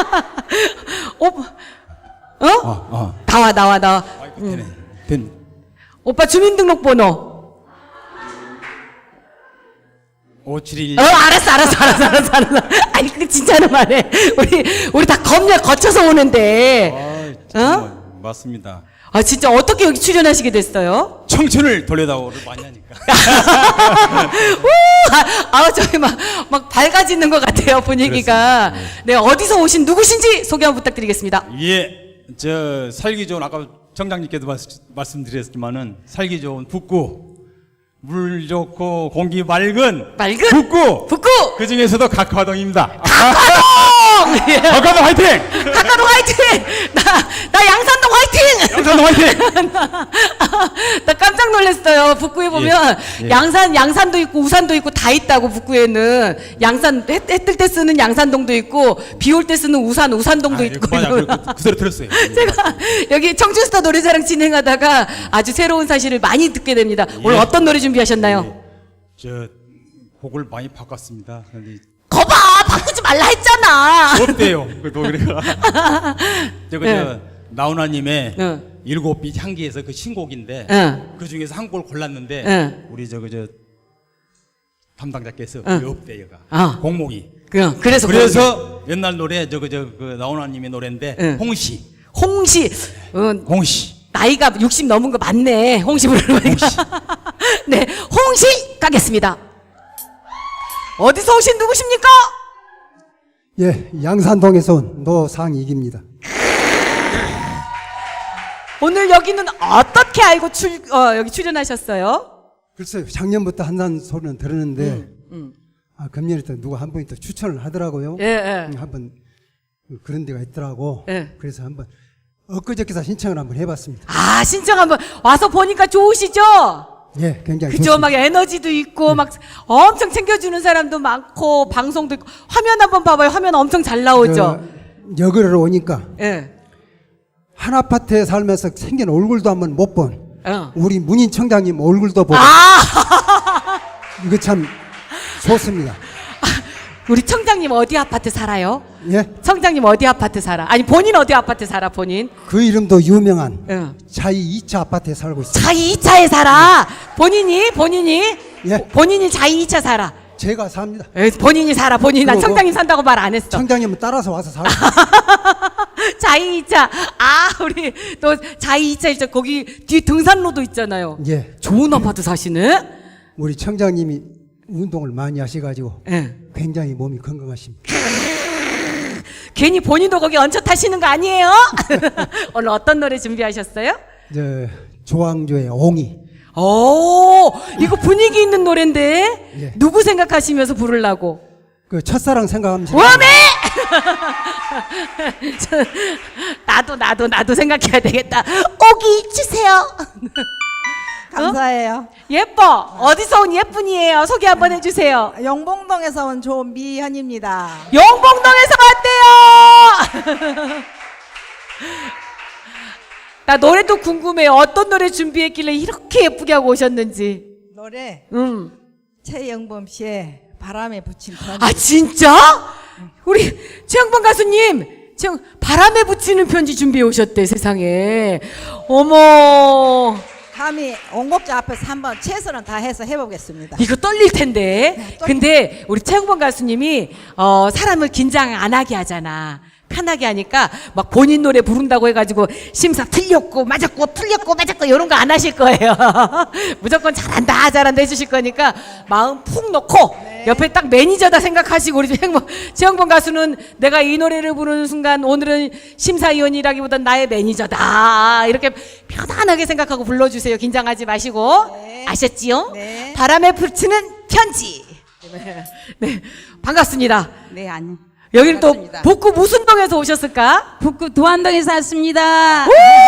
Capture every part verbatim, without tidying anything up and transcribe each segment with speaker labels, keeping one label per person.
Speaker 1: 오, 어?
Speaker 2: 어, 어.
Speaker 1: 나와, 나와, 나와.
Speaker 2: 아이고, 되네. 된.
Speaker 1: 오빠 주민등록번호.
Speaker 2: 오칠일.
Speaker 1: 어, 알았어, 알았어, 알았어, 알았어, 알았어. 아니, 그 진짜는 말해. 우리, 우리 다 검열 거쳐서 오는데.
Speaker 2: 아, 정말 맞습니다.
Speaker 1: 아, 진짜 어떻게 여기 출연하시게 됐어요?
Speaker 2: 청춘을 돌려다오를 많이 하니까.
Speaker 1: 우! 아, 아, 저희 막, 막 밝아지는 것 같아요, 분위기가. 네, 어디서 오신 누구신지 소개 한번 부탁드리겠습니다.
Speaker 2: 예, 저 살기 좋은 아까 정장님께도 말, 말씀드렸지만은 살기 좋은 북구, 물 좋고 공기 맑은
Speaker 1: 맑은
Speaker 2: 북구,
Speaker 1: 북구!
Speaker 2: 그 중에서도 각화동입니다.
Speaker 1: 각화동! 예.
Speaker 2: 각화동 화이팅!
Speaker 1: 각화동 화이팅! 나, 나 양산동 화이팅!
Speaker 2: 양산동 화이팅!
Speaker 1: 나, 나 깜짝 놀랐어요. 북구에 보면
Speaker 2: 예, 예.
Speaker 1: 양산, 양산도 있고 우산도 있고 다 있다고, 북구에는. 양산, 해, 해 뜰 때 쓰는 양산동도 있고, 비 올 때 쓰는 우산, 우산동도
Speaker 2: 아,
Speaker 1: 있고.
Speaker 2: 맞아, 그, 그, 그 소리 들었어요. 예.
Speaker 1: 제가 여기 청춘스타 노래자랑 진행하다가 아주 새로운 사실을 많이 듣게 됩니다. 오늘
Speaker 2: 예.
Speaker 1: 어떤 노래 준비하셨나요?
Speaker 2: 예. 저 곡을 많이 바꿨습니다. 근데
Speaker 1: 거봐! 바꾸지 말라 했잖아!
Speaker 2: 없대요. 그 노래가. 저거
Speaker 1: 예.
Speaker 2: 저 나훈아님의
Speaker 1: 응.
Speaker 2: 일곱 빛 향기에서 그 신곡인데
Speaker 1: 응.
Speaker 2: 그 중에서 한 곡을 골랐는데
Speaker 1: 응.
Speaker 2: 우리 저거 저 담당자께서
Speaker 1: 응.
Speaker 2: 왜 없대요가
Speaker 1: 아.
Speaker 2: 곡목이.
Speaker 1: 그, 그래서.
Speaker 2: 그래서 옛날 노래 저거 저 그 나훈아님의 노래인데
Speaker 1: 응.
Speaker 2: 홍시.
Speaker 1: 홍시. 어,
Speaker 2: 홍시.
Speaker 1: 나이가 육십 넘은 거 맞네. 홍시 부르는
Speaker 2: 홍시.
Speaker 1: 네, 홍시 가겠습니다. 어디서 오신 누구십니까?
Speaker 3: 예, 양산동에서 온 노상익입니다.
Speaker 1: 오늘 여기는 어떻게 알고 출, 어, 여기 출연하셨어요?
Speaker 3: 글쎄요, 작년부터 한다는 소리는 들었는데,
Speaker 1: 음, 음.
Speaker 3: 아, 금년에 또 누가 한 분이 또 추천을 하더라고요.
Speaker 1: 예, 예.
Speaker 3: 음, 한번 그런 데가 있더라고.
Speaker 1: 예.
Speaker 3: 그래서 한번 엊그저께서 신청을 한번 해봤습니다.
Speaker 1: 아, 신청 한번 와서 보니까 좋으시죠?
Speaker 3: 예, 굉장히
Speaker 1: 그죠?
Speaker 3: 좋습니다.
Speaker 1: 막 에너지도 있고, 막 엄청 챙겨주는 사람도 많고, 방송도 있고, 화면 한번 봐봐요. 화면 엄청 잘 나오죠?
Speaker 3: 저, 여기로 오니까
Speaker 1: 예.
Speaker 3: 한 아파트에 살면서 생긴 얼굴도 한번 못 본
Speaker 1: 어.
Speaker 3: 우리 문인 청장님 얼굴도 보고
Speaker 1: 아!
Speaker 3: 이거 참 좋습니다.
Speaker 1: 우리 청장님 어디 아파트 살아요?
Speaker 3: 예,
Speaker 1: 청장님 어디 아파트 살아? 아니, 본인 어디 아파트 살아, 본인?
Speaker 3: 그 이름도 유명한
Speaker 1: 응.
Speaker 3: 자이 이 차 아파트에 살고 있습니다.
Speaker 1: 자이 이 차에 살아. 본인이, 본인이,
Speaker 3: 예.
Speaker 1: 본인이 자이 이 차 살아.
Speaker 3: 제가 삽니다.
Speaker 1: 에, 본인이 살아, 본인이. 난
Speaker 3: 그리고
Speaker 1: 청장님 산다고 말 안 했어.
Speaker 3: 청장님은 따라서 와서 살고
Speaker 1: 자이 이 차. 아, 우리 또 자이 이 차 있죠. 거기 뒤에 등산로도 있잖아요.
Speaker 3: 예,
Speaker 1: 좋은 아파트 사시네?
Speaker 3: 우리 청장님이 운동을 많이 하셔가지고
Speaker 1: 예.
Speaker 3: 굉장히 몸이 건강하십니다.
Speaker 1: 괜히 본인도 거기 얹혀 타시는 거 아니에요? 오늘 어떤 노래 준비하셨어요?
Speaker 3: 저 조항조의 옹이.
Speaker 1: 오, 이거 분위기 있는 노래인데
Speaker 3: 예.
Speaker 1: 누구 생각하시면서 부르려고?
Speaker 3: 그 첫사랑 생각하면서
Speaker 1: 워메! 저, 나도 나도 나도 생각해야 되겠다. 오기 주세요.
Speaker 4: 감사해요.
Speaker 1: 예뻐. 어디서 온 예쁜이에요? 소개 한번 해주세요.
Speaker 4: 영봉동에서 온 조미현입니다.
Speaker 1: 영봉동에서 왔대요. 나 노래도 궁금해요. 어떤 노래 준비했길래 이렇게 예쁘게 하고 오셨는지.
Speaker 4: 노래
Speaker 1: 음.
Speaker 4: 최영범 씨의 바람에 붙인 편지.
Speaker 1: 아 진짜? 우리 최영범 가수님 지금 바람에 붙이는 편지 준비해 오셨대. 세상에. 어머,
Speaker 4: 감히 온곡자 앞에서 한번 최선을 다해서 해보겠습니다.
Speaker 1: 이거 떨릴 텐데.
Speaker 4: 네, 떨려.
Speaker 1: 근데 우리 최영범 가수님이 어, 사람을 긴장 안 하게 하잖아. 편하게 하니까 막 본인 노래 부른다고 해가지고 심사 틀렸고 맞았고 틀렸고 맞았고 이런 거 안 하실 거예요. 무조건 잘한다 잘한다 해주실 거니까 마음 푹 놓고
Speaker 4: 네.
Speaker 1: 옆에 딱 매니저다 생각하시고 우리 최영범, 최영범 가수는 내가 이 노래를 부르는 순간 오늘은 심사위원이라기보단 나의 매니저다 이렇게 편안하게 생각하고 불러주세요. 긴장하지 마시고.
Speaker 4: 네.
Speaker 1: 아셨지요?
Speaker 4: 네.
Speaker 1: 바람에 붙이는 편지. 네, 네. 반갑습니다.
Speaker 4: 네, 아니.
Speaker 1: 여기는 또
Speaker 4: 반갑습니다.
Speaker 1: 북구 무슨 동에서 오셨을까?
Speaker 5: 북구 도안동에 샀습니다.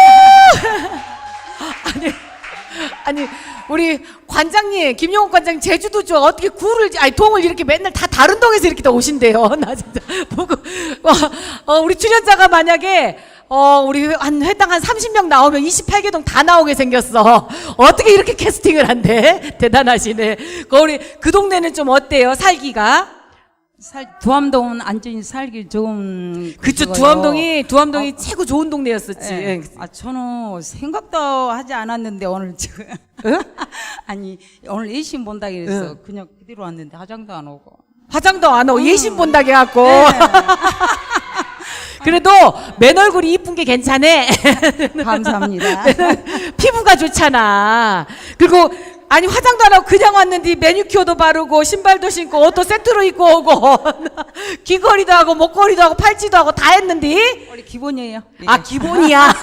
Speaker 1: 아니, 아니 우리 관장님 김용옥 관장님 제주도죠. 어떻게 구를 아니 동을 이렇게 맨날 다 다른 동에서 이렇게 다 오신대요. 나 진짜 보고 어, 어, 우리 출연자가 만약에 어 우리 한 회당 한 삼십 명 나오면 이십팔 개 동 다 나오게 생겼어. 어떻게 이렇게 캐스팅을 한대? 대단하시네. 그 우리 그 동네는 좀 어때요? 살기가?
Speaker 5: 살, 두암동은 안전히 살기 좋은.
Speaker 1: 그쵸,
Speaker 5: 그거요.
Speaker 1: 두암동이, 두암동이 최고 좋은 동네였었지.
Speaker 5: 예. 아, 저는 생각도 하지 않았는데 오늘 지금. 아니, 오늘 예심 본다 그래서 그냥 그대로 왔는데 화장도 안 오고.
Speaker 1: 화장도 안 하고 예심 본다게 갖고. 그래도 맨 얼굴이 이쁜 게 괜찮네.
Speaker 4: 감사합니다.
Speaker 1: 피부가 좋잖아. 그리고 아니 화장도 안 하고 그냥 왔는데 매니큐어도 바르고 신발도 신고 옷도 세트로 입고 오고 귀걸이도 하고 목걸이도 하고 팔찌도 하고 다 했는데
Speaker 5: 우리 기본이에요. 예.
Speaker 1: 아 기본이야.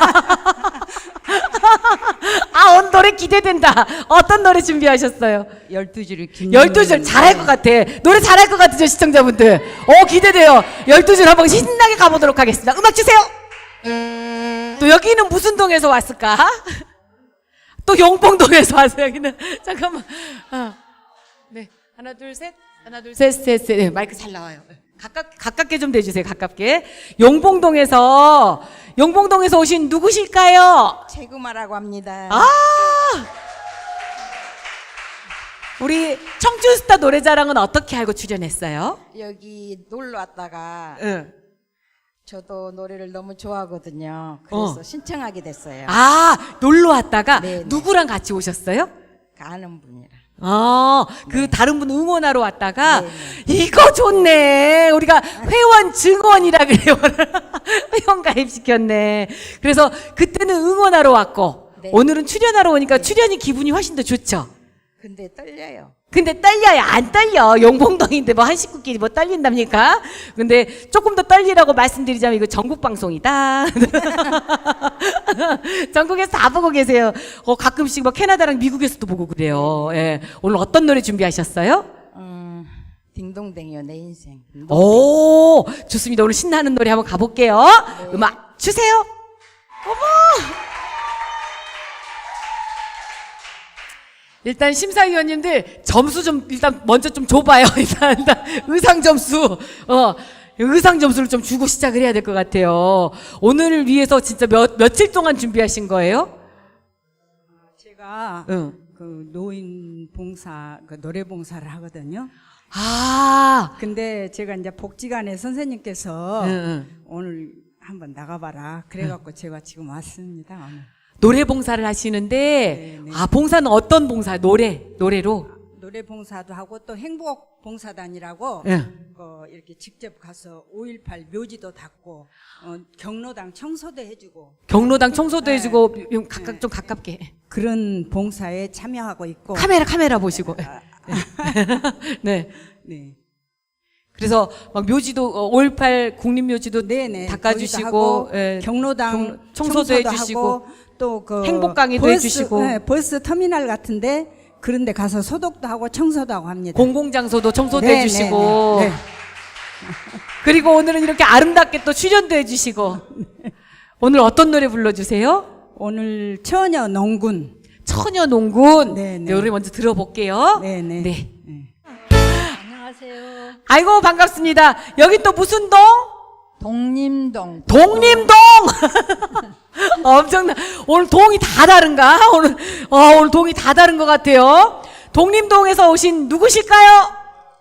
Speaker 1: 아 오늘 노래 기대된다. 어떤 노래 준비하셨어요?
Speaker 5: 열두 줄 김.
Speaker 1: 열두 줄 잘할 것 같아. 노래 잘할 것 같으죠 시청자분들. 어 기대돼요. 열두 줄 한번 신나게 가보도록 하겠습니다. 음악 주세요. 또 여기는 무슨 동에서 왔을까? 또 용봉동에서 왔어요. 여기는 잠깐만. 어. 네 하나 둘 셋. 하나 둘 셋 셋 셋. 네, 마이크 잘 나와요. 가깝 가깝게 좀 대주세요. 가깝게. 용봉동에서 용봉동에서 오신 누구실까요?
Speaker 4: 최구마라고 합니다.
Speaker 1: 아 우리 청춘스타 노래자랑은 어떻게 알고 출연했어요?
Speaker 4: 여기 놀러 왔다가
Speaker 1: 응.
Speaker 4: 저도 노래를 너무 좋아하거든요. 그래서
Speaker 1: 어.
Speaker 4: 신청하게 됐어요.
Speaker 1: 아 놀러 왔다가
Speaker 4: 네, 네.
Speaker 1: 누구랑 같이 오셨어요?
Speaker 4: 그 아는 분이랑.
Speaker 1: 아, 그 다른 분 응원하러 왔다가
Speaker 4: 네,
Speaker 1: 이거 좋네. 우리가 회원 증원이라 그래요. 회원 가입시켰네. 그래서 그때는 응원하러 왔고
Speaker 4: 네.
Speaker 1: 오늘은 출연하러 오니까 출연이 기분이 훨씬 더 좋죠.
Speaker 4: 근데 떨려요.
Speaker 1: 근데 떨려요. 안 떨려. 용봉동인데 뭐 한 식구끼리 뭐 떨린답니까? 근데 조금 더 떨리라고 말씀드리자면 이거 전국 방송이다. 전국에서 다 보고 계세요. 어, 가끔씩 뭐 캐나다랑 미국에서도 보고 그래요. 예. 오늘 어떤 노래 준비하셨어요?
Speaker 4: 음, 딩동댕이요 내 인생.
Speaker 1: 오, 좋습니다. 오늘 신나는 노래 한번 가볼게요. 음악 주세요. 어머! 일단 심사위원님들 점수 좀 일단 먼저 좀 줘봐요. 일단, 일단 의상 점수, 어 의상 점수를 좀 주고 시작을 해야 될 것 같아요. 오늘을 위해서 진짜 몇 며칠 동안 준비하신 거예요?
Speaker 5: 제가
Speaker 1: 응.
Speaker 5: 그 노인 봉사, 그 노래 봉사를 하거든요.
Speaker 1: 아,
Speaker 5: 근데 제가 이제 복지관에 선생님께서
Speaker 1: 응, 응.
Speaker 5: 오늘 한번 나가봐라. 그래갖고 제가 지금 왔습니다. 오늘.
Speaker 1: 노래 봉사를 하시는데,
Speaker 5: 네, 네.
Speaker 1: 아 봉사는 어떤 봉사? 노래, 노래로.
Speaker 5: 노래 봉사도 하고 또 행복 봉사단이라고
Speaker 1: 응.
Speaker 5: 그 이렇게 직접 가서 오일팔 묘지도 닦고 어, 경로당 청소도 해주고
Speaker 1: 경로당 청소도
Speaker 5: 네.
Speaker 1: 해주고 좀 가깝 좀 가깝게.
Speaker 5: 그런 봉사에 참여하고 있고.
Speaker 1: 카메라 카메라 보시고. 네.
Speaker 5: 네.
Speaker 1: 그래서 막 묘지도 어, 오일팔 국립묘지도
Speaker 5: 네네.
Speaker 1: 닦아주시고,
Speaker 5: 거기도 하고,
Speaker 1: 예.
Speaker 5: 경로당
Speaker 1: 경- 청소도
Speaker 5: 청소도
Speaker 1: 해주시고,
Speaker 5: 하고, 또 그
Speaker 1: 행복 강의도
Speaker 5: 버스,
Speaker 1: 해주시고.
Speaker 5: 네, 버스 터미널 같은데 그런데 가서 소독도 하고 청소도 하고 합니다.
Speaker 1: 공공장소도 청소도
Speaker 5: 네,
Speaker 1: 해주시고,
Speaker 5: 네, 네.
Speaker 1: 그리고 오늘은 이렇게 아름답게 또 출연도 해주시고, 오늘 어떤 노래 불러주세요?
Speaker 5: 오늘 처녀 농군.
Speaker 1: 처녀농군.
Speaker 5: 네, 네.
Speaker 1: 노래 먼저 들어볼게요.
Speaker 5: 네, 네.
Speaker 1: 네.
Speaker 5: 네.
Speaker 6: 안녕하세요.
Speaker 1: 아이고 반갑습니다. 여기 또 무슨 동?
Speaker 6: 동림동.
Speaker 1: 독림동. 엄청나. 오늘 동이 다 다른가? 오늘 어, 오늘 동이 다 다른 것 같아요. 독림동에서 오신 누구실까요?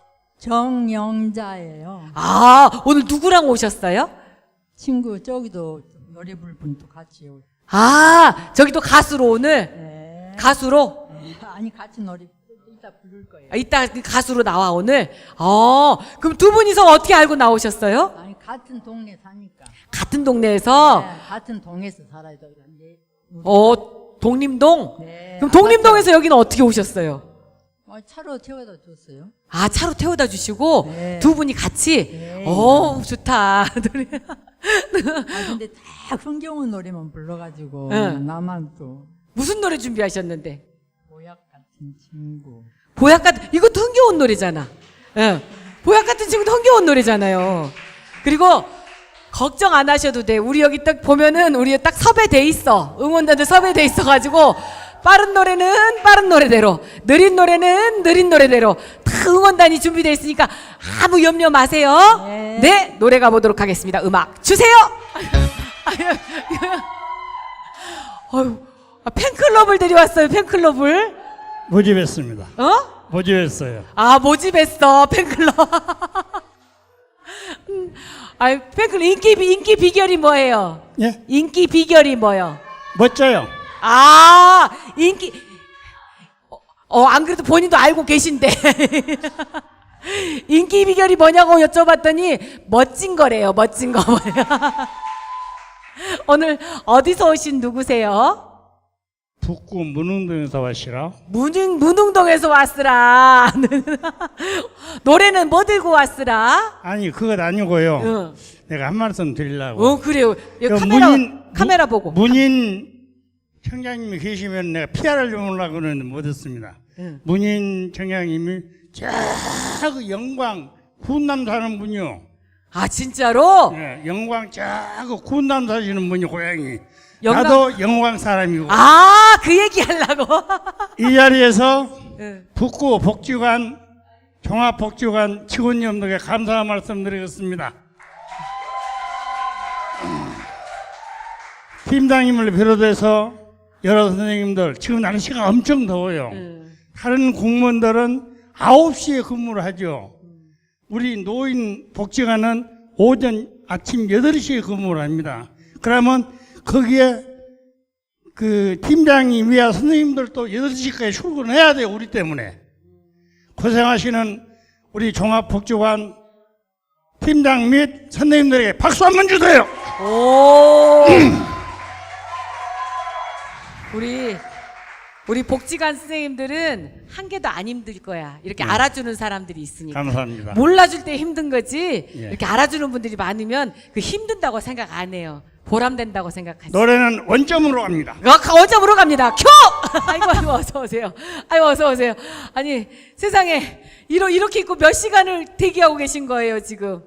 Speaker 6: 정영자예요.
Speaker 1: 아 오늘 누구랑 오셨어요?
Speaker 6: 친구 저기도 노래 부를 분도 같이 오.
Speaker 1: 아 저기도 가수로 오늘
Speaker 6: 네.
Speaker 1: 가수로
Speaker 6: 아니 같이 노래 이따 부를 거예요.
Speaker 1: 아, 이따 가수로 나와 오늘. 어 그럼 두 분이서 어떻게 알고 나오셨어요?
Speaker 6: 아니 같은 동네 사니까.
Speaker 1: 같은 동네에서.
Speaker 6: 네, 같은 동에서 살아야 되는데.
Speaker 1: 어 독림동.
Speaker 6: 네.
Speaker 1: 그럼 독림동에서 여기는 어떻게 오셨어요?
Speaker 6: 어, 차로 태워다 줬어요.
Speaker 1: 아 차로 태워다 주시고
Speaker 6: 네.
Speaker 1: 두 분이 같이.
Speaker 6: 네.
Speaker 1: 오 좋다. 노래.
Speaker 6: 아 근데 다 흥겨운 노래만 불러가지고
Speaker 1: 응.
Speaker 6: 나만 또
Speaker 1: 무슨 노래 준비하셨는데?
Speaker 6: 모약 같은 친구.
Speaker 1: 보약 같은 이것도 흥겨운 노래잖아. 응. 보약 같은 친구도 흥겨운 노래잖아요. 그리고 걱정 안 하셔도 돼. 우리 여기 딱 보면은 우리 딱 섭외돼 있어. 응원단들 섭외돼 있어가지고 빠른 노래는 빠른 노래대로, 느린 노래는 느린 노래대로 다 응원단이 준비돼 있으니까 아무 염려 마세요.
Speaker 6: 네.
Speaker 1: 네, 노래 가보도록 하겠습니다. 음악 주세요. 아유, 아, 팬클럽을 데려왔어요. 팬클럽을.
Speaker 7: 모집했습니다.
Speaker 1: 어?
Speaker 7: 모집했어요.
Speaker 1: 아 모집했어 팬클럽. 아, 팬클 인기 비- 인기 비결이 뭐예요?
Speaker 7: 예?
Speaker 1: 인기 비결이 뭐요?
Speaker 7: 멋져요.
Speaker 1: 아, 인기 어, 안 그래도 본인도 알고 계신데. 인기 비결이 뭐냐고 여쭤봤더니 멋진 거래요. 멋진 거. 오늘 어디서 오신 누구세요?
Speaker 7: 북구 문흥동에서 왔시라.
Speaker 1: 문흥, 문흥동에서 왔으라. 노래는 뭐 들고 왔으라?
Speaker 7: 아니 그것 아니고요.
Speaker 1: 응.
Speaker 7: 내가 한 말씀 드리려고.
Speaker 1: 어, 그래요. 여기
Speaker 7: 그
Speaker 1: 카메라,
Speaker 7: 문인-
Speaker 1: 카메라
Speaker 7: 무-
Speaker 1: 보고.
Speaker 7: 문인 청장님이 계시면 내가 피아를 주려고 하는 못했습니다.
Speaker 1: 응.
Speaker 7: 문인 청장님이 저 영광 군남 사는 분이요.
Speaker 1: 아, 진짜로?
Speaker 7: 예, 영광 저 군남 사시는 분이 고향이.
Speaker 1: 영광-
Speaker 7: 나도 영광 사람이고.
Speaker 1: 아, 그 얘기 하려고.
Speaker 7: 이 자리에서
Speaker 1: 응.
Speaker 7: 북구 복지관 종합복지관 직원님들에게 감사 말씀드리겠습니다. 팀장님을 비롯해서 여러 선생님들 지금 날씨가 엄청 더워요.
Speaker 1: 응.
Speaker 7: 다른 공무원들은 아홉 시에 근무를 하죠. 우리 노인 복지관은 오전 아침 여덟 시에 근무를 합니다. 그러면 거기에 그 팀장님이야 선생님들도 여덟 시까지 출근해야 돼요. 우리 때문에. 고생하시는 우리 종합복지관 팀장 및 선생님들에게 박수 한번 주세요.
Speaker 1: 오. 우리 우리 복지관 선생님들은 한 개도 안 힘들 거야. 이렇게
Speaker 7: 네.
Speaker 1: 알아주는 사람들이 있으니까.
Speaker 7: 감사합니다.
Speaker 1: 몰라줄 때 힘든 거지.
Speaker 7: 예.
Speaker 1: 이렇게 알아주는 분들이 많으면 그 힘든다고 생각 안 해요. 보람된다고 생각하지.
Speaker 7: 노래는 원점으로 갑니다.
Speaker 1: 어, 원점으로 갑니다. 큐! 아이고, 아이고, 어서 오세요. 아이고, 어서 오세요. 아니, 세상에, 이러, 이렇게 입고 몇 시간을 대기하고 계신 거예요, 지금?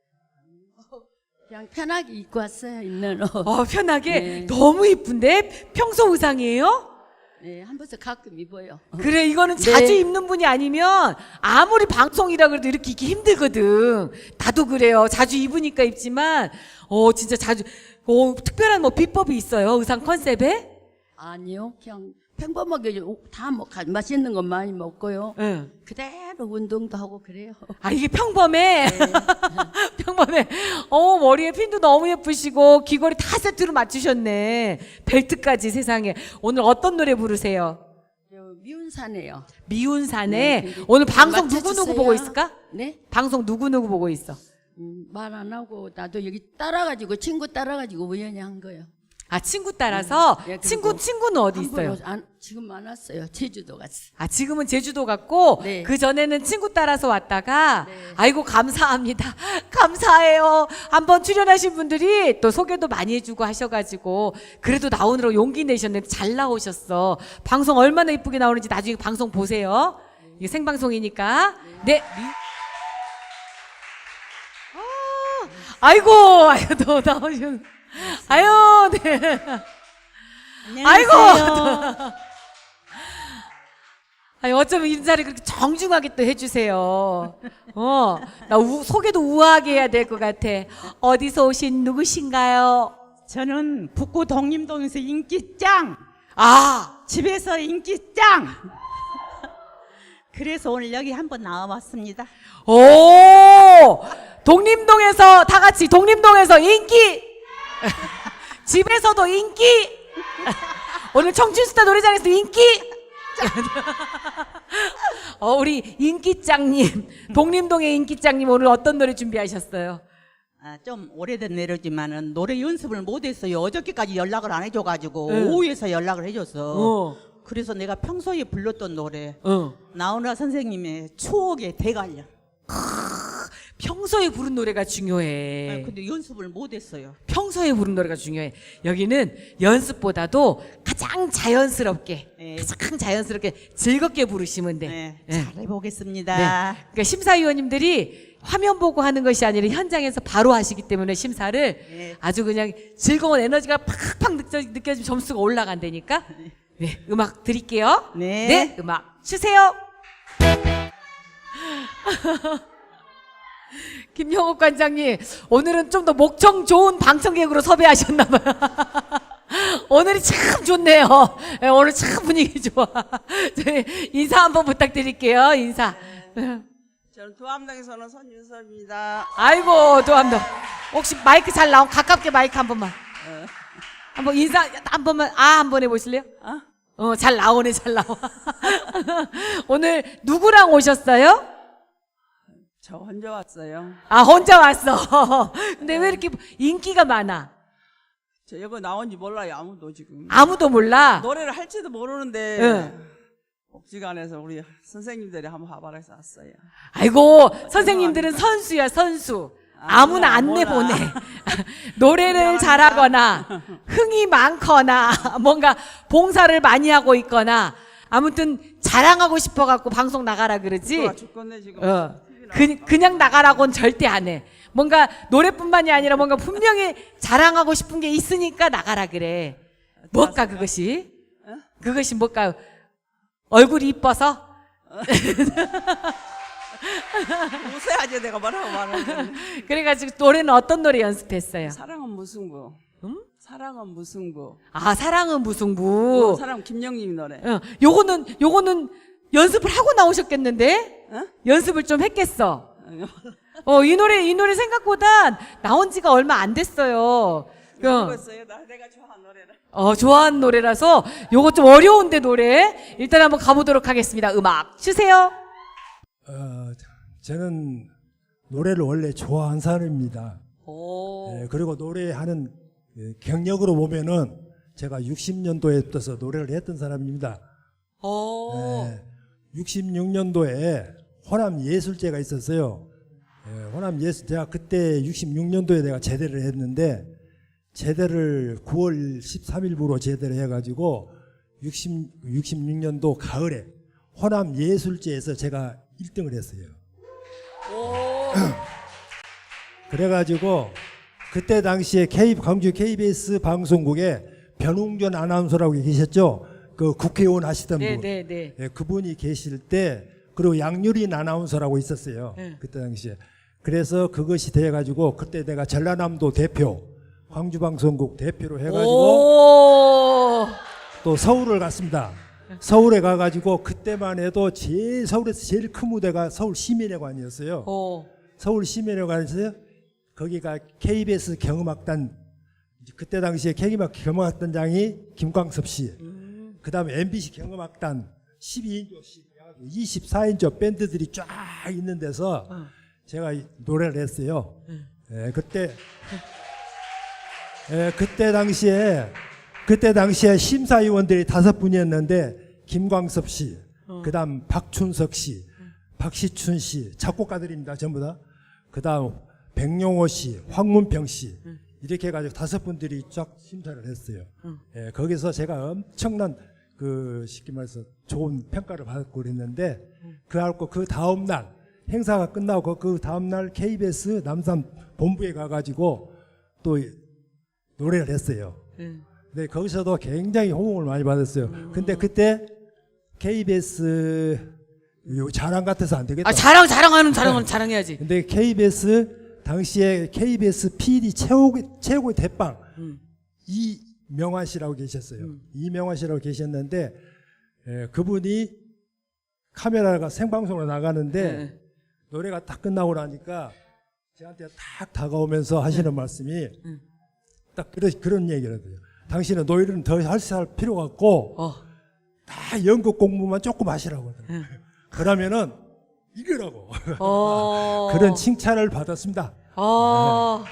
Speaker 8: 그냥 편하게 입고 왔어요. 있는 옷.
Speaker 1: 어, 편하게.
Speaker 8: 네.
Speaker 1: 너무 이쁜데? 평소 의상이에요?
Speaker 8: 네, 한 번씩 가끔 입어요.
Speaker 1: 그래, 이거는
Speaker 8: 네.
Speaker 1: 자주 입는 분이 아니면 아무리 방송이라 그래도 이렇게 입기 힘들거든. 나도 그래요. 자주 입으니까 입지만, 어, 진짜 자주, 어, 특별한 뭐 비법이 있어요? 의상 컨셉에?
Speaker 8: 아니요, 그냥 평범하게 다 먹, 맛있는 거 많이 먹고요.
Speaker 1: 응.
Speaker 8: 그대로 운동도 하고 그래요.
Speaker 1: 아, 이게 평범해?
Speaker 8: 네.
Speaker 1: 평범해. 어, 머리에 핀도 너무 예쁘시고, 귀걸이 다 세트로 맞추셨네. 벨트까지 세상에. 오늘 어떤 노래 부르세요?
Speaker 8: 저 미운사네요.
Speaker 1: 미운사네.
Speaker 8: 네, 근데
Speaker 1: 오늘
Speaker 8: 좀
Speaker 1: 방송
Speaker 8: 맞춰주세요.
Speaker 1: 누구누구 보고 있을까?
Speaker 8: 네?
Speaker 1: 방송 누구누구 보고 있어?
Speaker 8: 음, 말 안 하고 나도 여기 따라가지고 친구 따라가지고 우연히 한 거예요.
Speaker 1: 아, 친구 따라서?
Speaker 8: 예, 그리고
Speaker 1: 친구, 친구는 어디
Speaker 8: 한
Speaker 1: 있어요?
Speaker 8: 번 안, 지금 안 왔어요. 제주도 갔어.
Speaker 1: 아, 지금은 제주도 갔고,
Speaker 8: 네.
Speaker 1: 그 전에는 친구 따라서 왔다가,
Speaker 8: 네.
Speaker 1: 아이고, 감사합니다. 감사해요. 한번 출연하신 분들이 또 소개도 많이 해주고 하셔가지고, 그래도 나오느라고 용기 내셨는데 잘 나오셨어. 방송 얼마나 이쁘게 나오는지 나중에 방송 보세요. 이게 생방송이니까. 네. 아, 아이고, 아이고, 또 나오셨, 아유, 네. 아이고! 아니, 어쩌면 인사를 그렇게 정중하게 또 해주세요. 어, 나 우, 소개도 우아하게 해야 될 것 같아. 어디서 오신 누구신가요?
Speaker 9: 저는 북구 독림동에서 인기 짱!
Speaker 1: 아,
Speaker 9: 집에서 인기 짱! 그래서 오늘 여기 한번 나와봤습니다.
Speaker 1: 오! 독림동에서, 다 같이 독림동에서 인기! 집에서도 인기! 오늘 청춘스타 노래장에서 인기! 어, 우리 인기짱님, 독림동의 인기짱님 오늘 어떤 노래 준비하셨어요?
Speaker 9: 아, 좀 오래된 노래지만은 노래 연습을 못했어요. 어저께까지 연락을 안 해줘가지고
Speaker 1: 응.
Speaker 9: 오후에서 연락을 해줘서
Speaker 1: 어,
Speaker 9: 그래서 내가 평소에 불렀던 노래
Speaker 1: 어.
Speaker 9: 나훈아 선생님의 추억의 대관령.
Speaker 1: 평소에 부른 노래가
Speaker 9: 아,
Speaker 1: 중요해.
Speaker 9: 근데 연습을 못했어요.
Speaker 1: 평소에 부른 노래가 중요해. 여기는 연습보다도 가장 자연스럽게,
Speaker 9: 네.
Speaker 1: 가장 자연스럽게 즐겁게 부르시면 돼.
Speaker 9: 네,
Speaker 1: 네.
Speaker 9: 잘해보겠습니다.
Speaker 1: 네. 그러니까 심사위원님들이 화면 보고 하는 것이 아니라 현장에서 바로 하시기 때문에 심사를
Speaker 9: 네.
Speaker 1: 아주 그냥 즐거운 에너지가 팍팍 느껴, 느껴지면 점수가 올라간다니까. 네, 음악 드릴게요.
Speaker 9: 네.
Speaker 1: 네, 음악 주세요. 김영옥 관장님, 오늘은 좀 더 목청 좋은 방청객으로 섭외하셨나봐요. 오늘이 참 좋네요. 네, 오늘 참 분위기 좋아. 저희 인사 한번 부탁드릴게요. 인사.
Speaker 9: 저
Speaker 10: 저는 도암동에서는 손윤섭입니다.
Speaker 1: 아이고 도암동. 혹시 마이크 잘 나온 가깝게 마이크 한 번만. 한번 인사 한 번만 아 한 번 해보실래요? 어 잘 나오네 잘 나와. 오늘 누구랑 오셨어요?
Speaker 10: 저 혼자 왔어요.
Speaker 1: 아 혼자 왔어. 근데 왜 이렇게 인기가 많아?
Speaker 10: 저 이거 나온지 몰라요. 아무도 지금.
Speaker 1: 아무도 몰라.
Speaker 10: 노래를 할지도 모르는데
Speaker 1: 응.
Speaker 10: 복지관에서 우리 선생님들이 한번 화발해서 왔어요.
Speaker 1: 아이고 선생님들은 선수야 선수. 아무나
Speaker 10: 아,
Speaker 1: 안
Speaker 10: 몰라.
Speaker 1: 내보내. 노래를 잘하거나 흥이 많거나 뭔가 봉사를 많이 하고 있거나 아무튼 자랑하고 싶어갖고 방송 나가라 그러지.
Speaker 10: 좋아 죽겠네 지금.
Speaker 1: 어. 그, 그냥 나가라고는 절대 안 해. 뭔가 노래뿐만이 아니라 뭔가 분명히 자랑하고 싶은 게 있으니까 나가라 그래. 뭘까 그것이? 그것이 뭘까? 얼굴이 이뻐서?
Speaker 10: 웃어야지 내가 뭐라고 말하는.
Speaker 1: 그래가지고 노래는 어떤 노래 연습했어요?
Speaker 10: 사랑은 무승부. 응? 사랑은 무승부.
Speaker 1: 아 사랑은 무승부.
Speaker 10: 어, 사랑 김영림 노래.
Speaker 1: 어, 요거는 요거는 연습을 하고 나오셨겠는데?
Speaker 10: 어?
Speaker 1: 연습을 좀 했겠어. 어, 이 노래 이 노래 생각보다 나온 지가 얼마 안 됐어요. 어,
Speaker 10: 모르겠어요. 나 내가 좋아하는 노래를.
Speaker 1: 어, 좋아하는 노래라서 요거 좀 어려운데 노래. 일단 한번 가보도록 하겠습니다. 음악 주세요.
Speaker 11: 어, 저는 노래를 원래 좋아하는 사람입니다.
Speaker 1: 오.
Speaker 11: 예, 그리고 노래하는 예, 경력으로 보면은 제가 육십 년도에 떠서 노래를 했던 사람입니다.
Speaker 1: 오.
Speaker 11: 예, 육십육 년도에 호남 예술제가 있었어요. 예, 호남 예술 제가 그때 육십육 년도에 내가 제대를 했는데 제대를 구월 십삼일부로 제대를 해가지고 육십, 육십육 년도 가을에 호남 예술제에서 제가 일 등을 했어요. 그래가지고 그때 당시에 K, 광주 케이비에스 방송국에 변웅전 아나운서라고 계셨죠. 그 국회의원 하시던 분.
Speaker 1: 네네네.
Speaker 11: 예, 그분이 계실 때 그리고 양유린 아나운서라고 있었어요.
Speaker 1: 네.
Speaker 11: 그때 당시에. 그래서 그것이 돼가지고 그때 내가 전라남도 대표, 광주방송국 대표로 해가지고
Speaker 1: 오.
Speaker 11: 또 서울을 갔습니다. 서울에 가가지고 그때만 해도 제일 서울에서 제일 큰 무대가 서울 시민회관이었어요.
Speaker 1: 오.
Speaker 11: 서울 시민회관에서 거기가 케이비에스 경음악단 그때 당시에 케이비에스 경음악단장이 김광섭 씨,
Speaker 1: 음.
Speaker 11: 그 다음에 엠비씨 경음악단 십이 인조씩 이십사 인조 밴드들이 쫙 있는 데서
Speaker 1: 어.
Speaker 11: 제가 노래를 했어요.
Speaker 1: 음.
Speaker 11: 예, 그때 예, 그때 당시에 그때 당시에 심사위원들이 다섯 분이었는데 김광섭 씨,
Speaker 1: 어.
Speaker 11: 그다음 박춘석 씨, 박시춘 씨 작곡가들입니다 전부 다. 그다음 백용호 씨, 황문평 씨 이렇게 해가지고 다섯 분들이 쫙 심사를 했어요. 예, 거기서 제가 엄청난 그 쉽게 말해서 좋은 평가를 받고 그랬는데 그래갖고 그 다음 날 행사가 끝나고 그 다음 날 케이비에스 남산 본부에 가가지고 또 노래를 했어요. 네, 거기서도 굉장히 호응을 많이 받았어요. 근데 그때 케이비에스 요 자랑 같아서 안 되겠다.
Speaker 1: 아 자랑 자랑하는 자랑은 자랑해야지.
Speaker 11: 근데 케이비에스 당시에 케이비에스 피디 최고의 최고의 대빵
Speaker 1: 음.
Speaker 11: 이명환 씨라고 계셨어요.
Speaker 1: 음.
Speaker 11: 이명환 씨라고 계셨는데 에, 그분이 카메라가 생방송으로 나가는데
Speaker 1: 네.
Speaker 11: 노래가 딱 끝나고 나니까 저한테 딱 다가오면서 하시는
Speaker 1: 음.
Speaker 11: 말씀이
Speaker 1: 음.
Speaker 11: 딱 그런 그런 얘기를 하더라고요. 당신은 노래는 더 할 필요가 없고
Speaker 1: 어.
Speaker 11: 다 연극 공부만 조금 하시라고 하더라고요.
Speaker 1: 음.
Speaker 11: 그러면은 이거라고
Speaker 1: 어.
Speaker 11: 그런 칭찬을 받았습니다.
Speaker 1: 어.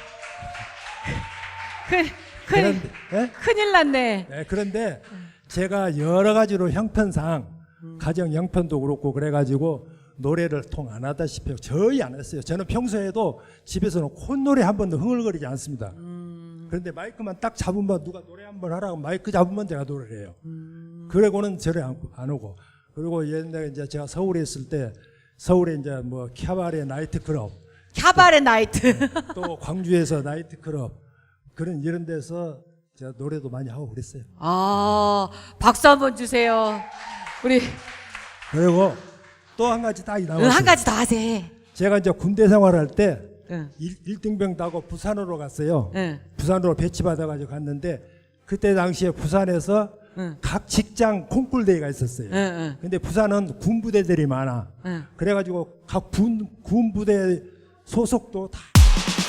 Speaker 1: 큰, 큰,
Speaker 11: 그런데, 예?
Speaker 1: 큰일 났네.
Speaker 11: 네, 그런데 제가 여러 가지로 형편상 가정 형편도 그렇고 그래가지고 노래를 통 안 하다시피 저희 안 했어요. 저는 평소에도 집에서는 콧노래 한 번도 흥얼거리지 않습니다. 그런데 마이크만 딱 잡으면 누가 노래 한 번 하라고 마이크 잡으면 제가 노래를 해요. 그러고는 저를 안, 안 오고. 그리고 옛날에 이제 제가 서울에 있을 때 서울에 이제 뭐 캬바레 나이트클럽,
Speaker 1: 캬바레 나이트.
Speaker 11: 또 광주에서 나이트클럽 그런 이런 데서 제가 노래도 많이 하고 그랬어요.
Speaker 1: 아, 박수 한번 주세요. 우리
Speaker 11: 그리고 또 한 가지 딱 나왔어요.
Speaker 1: 응, 한 가지 더 하세요.
Speaker 11: 제가 이제 군대 생활할 때
Speaker 1: 응.
Speaker 11: 일 등병 타고 부산으로 갔어요.
Speaker 1: 응.
Speaker 11: 부산으로 배치받아가지고 갔는데 그때 당시에 부산에서
Speaker 1: 응.
Speaker 11: 각 직장 콩쿨 대회가 있었어요.
Speaker 1: 응, 응.
Speaker 11: 근데 부산은 군부대들이 많아.
Speaker 1: 응.
Speaker 11: 그래가지고 각 군, 군부대 소속도 다